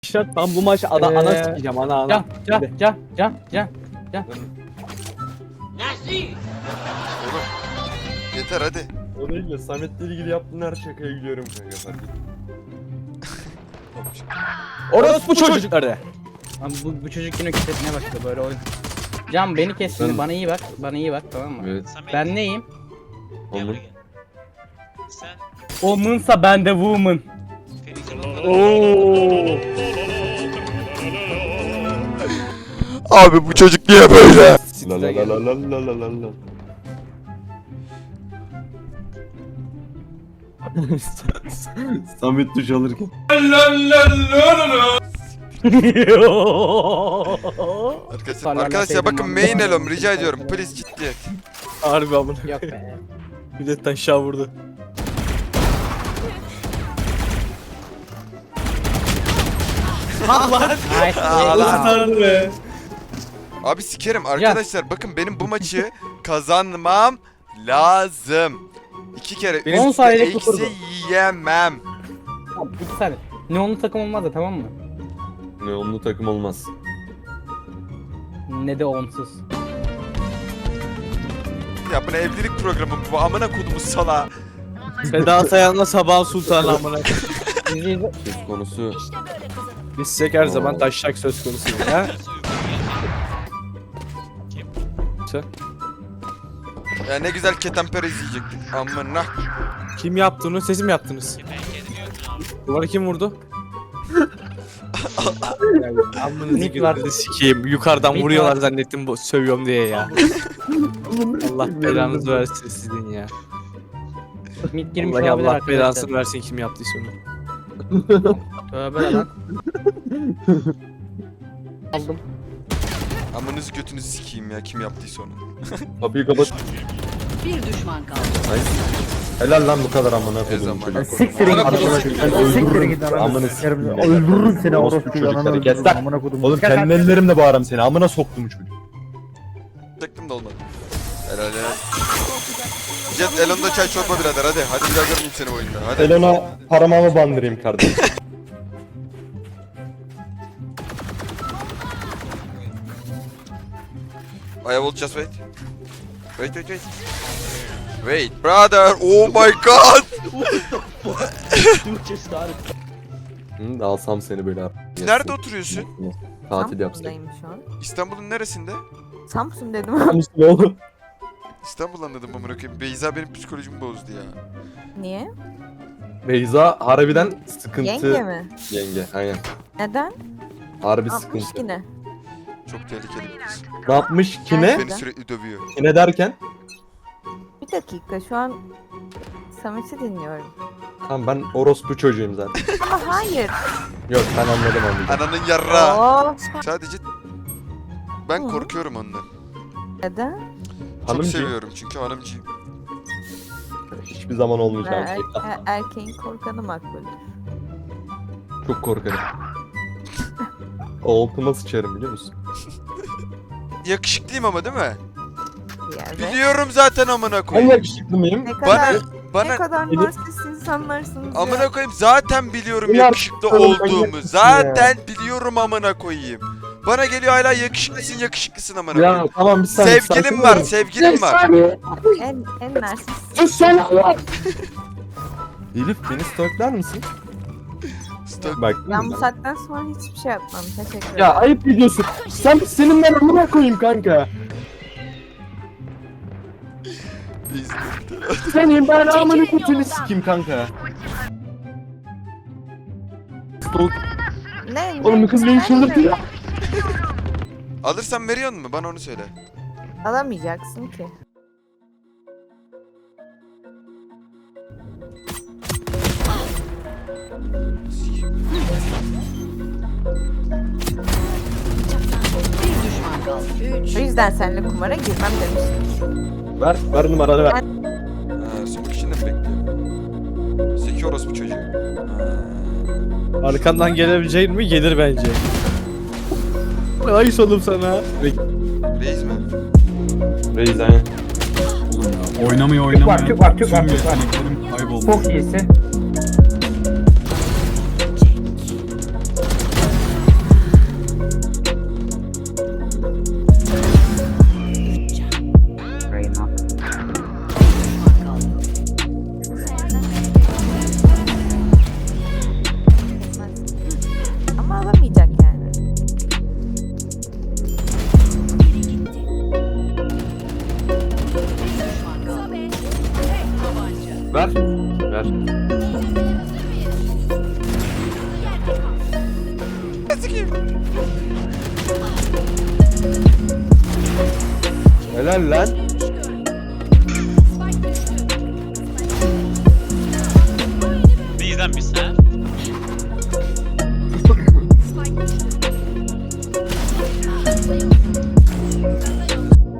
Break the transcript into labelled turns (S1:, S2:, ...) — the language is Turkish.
S1: Şart ben bu maçı ana sikeceğim ana.
S2: Can.
S3: Oğlum yeter hadi.
S4: O değil de Samet'le ilgili yaptığın her şakaya gülüyorum kanka fark et.
S1: Orospu çocukları.
S2: Abi bu çocuk yine kütesine başladı böyle oyun. Can beni kes şimdi, bana iyi bak. Bana iyi bak, tamam mı?
S4: Evet.
S2: Ben neyim?
S4: Oğlum.
S5: Sen
S2: Woman'sa ben de woman.
S3: Abi bu çocuk niye böyle?
S4: La la la la la la la la la. Samet duş alırken.
S3: Arkadaşlar bakın main elom rica ediyorum. Please ciddiyet.
S1: Harbi amına.
S2: Yok be.
S1: Milletten şah vurdu.
S2: Nice.
S1: Sardı be.
S3: Abi sikerim arkadaşlar bakın benim bu maçı kazanmam lazım. 2 kere
S1: Benim
S3: üst
S2: 10
S3: üste
S2: saniyelik tuturdu.
S3: eksi yiyemem.
S2: Tamam, bir saniye. Neonlu takım olmaz da, tamam mı?
S4: Ne onlu takım olmaz.
S2: Ne de onsuz.
S3: Ya bu ne evlilik programı bu amına kodumu sala.
S1: Seda Sayan'la Sabah Sultan amına.
S2: İzleyici.
S4: Söz konusu.
S1: Biz her zaman taşak söz konusu ha.
S3: Ya ne güzel ketemper izleyecektik. Amına.
S1: Kim yaptı onu? Siz mi yaptınız? Duvarı kim vurdu? Amınızı
S2: Nick var.
S1: gözünü sikeyim. Yukarıdan
S2: Nick
S1: vuruyorlar
S2: var.
S1: zannettim bu sövüyorum diye ya. Allah belanızı versin sizin ya.
S2: Mid girmiş
S1: Allah
S2: olabilir
S1: Allah
S2: arkadaşlar.
S1: belasını versin kim yaptıysa onu.
S2: Tövbe lan. Aldım.
S3: Amınızı götünüzü sikeyim ya kim yaptıysa onu.
S4: Kapıyı kapat.
S6: Bir düşman kaldı.
S4: Helal lan bu kadar amına
S3: Ne
S4: koydum
S3: zaman?
S4: çocuk.
S7: Siktirin git amına koyayım. Siktirin git
S4: Amına
S7: amına
S4: sikeyim.
S7: koyayım. Öldürürüm seni
S4: Orospu
S7: orospu
S4: çocukları,
S7: yalanı
S4: kes
S7: öldürürüm
S4: lan.
S7: amına koydum.
S4: Oğlum kendi ellerimle bağırırım seni. Amına soktum çocuk.
S3: Çektim de olmadı. Helal helal. Jet Elon'da çay çorba birader hadi. Hadi bir daha görmeyeyim seni bu oyunda. Hadi.
S4: Elona paramamı bandırayım kardeşim.
S3: I will just wait. Wait. Wait brother. Oh my god.
S4: Hı, alsam seni böyle abi.
S3: Nerede oturuyorsun?
S4: Tatil yapsak.
S8: Samsun'dayım şu an.
S3: İstanbul'un neresinde?
S8: Samsun dedim.
S4: Ne oğlum?
S3: İstanbul anladım amına koyayım. Beyza benim psikolojimi bozdu ya.
S8: Niye?
S4: Beyza harbiden sıkıntı.
S8: Yenge mi?
S4: Yenge aynen.
S8: Neden?
S4: Harbi
S8: 60
S4: sıkıntı.
S8: yine.
S3: Çok tehlikeli bir kız.
S4: Ne yapmış? Kime?
S3: Beni sürekli dövüyor.
S4: Kime derken?
S8: Bir dakika şu an Samet'i dinliyorum.
S4: Tamam ben orospu çocuğuyum zaten.
S8: Ama hayır.
S4: Yok ben anladım anladım.
S3: Ananın yarra.
S8: Oo,
S3: Sadece ben
S8: Hı.
S3: korkuyorum ondan.
S8: neden?
S3: Çok
S4: Hanımcı.
S3: seviyorum çünkü hanımcıyım.
S4: Hiçbir zaman olmayacak.
S8: Erkeğin korkanı makbul.
S4: Çok korkarım. Altıma sıçarım biliyor musun?
S3: Yakışıklıyım ama değil mi?
S8: Yani.
S3: Biliyorum zaten amına
S4: Ben
S3: koyayım.
S4: yakışıklı mıyım?
S8: Ne
S3: Bana
S8: kadar, ne
S3: bana
S8: kadar narsist insanlarsınız ya.
S3: amına koyayım zaten biliyorum
S4: Ulan,
S3: yakışıklı
S4: oğlum,
S3: olduğumu.
S4: manyak mısın
S3: Zaten biliyorum amına koyayım. Bana geliyor hala yakışıklısın amına
S4: Ya
S3: koyayım.
S4: tamam bir saniye.
S3: Sevgilim
S4: sakin
S3: var,
S4: olun.
S3: sevgilim var.
S8: En narsist.
S4: Elif beni stalklar mısın?
S3: Stop.
S4: Bak.
S8: Ben bu saatten sonra hiçbir şey yapmam. Teşekkür ederim.
S4: Ya ayıp biliyorsun. Senin ben amına koyayım kanka. Senin ben amına kötünü sikeyim kanka. Stalk.
S8: Ne?
S4: Oğlum bu kız beni çıldırtıyor.
S3: Alırsan veriyor mu? Bana onu söyle.
S8: Alamayacaksın ki.
S6: Bir düşman kaldı.
S8: O yüzden seninle kumara girmem demiştim.
S4: Ver numaranı ver.
S3: Ha, smoke için de mi bekliyorum? Zeki orospu çocuğu. Ha.
S1: Arkandan gelebileceğin mi? Gelir bence. Ayıs oğlum sana.
S3: Reis mi?
S4: Reis aynen.
S7: Oynamıyor.
S2: Çok var.
S7: Kayboldu.
S2: Çok iyisin.
S4: Ver. Ver. Helal lan.
S5: Bizden bir sen.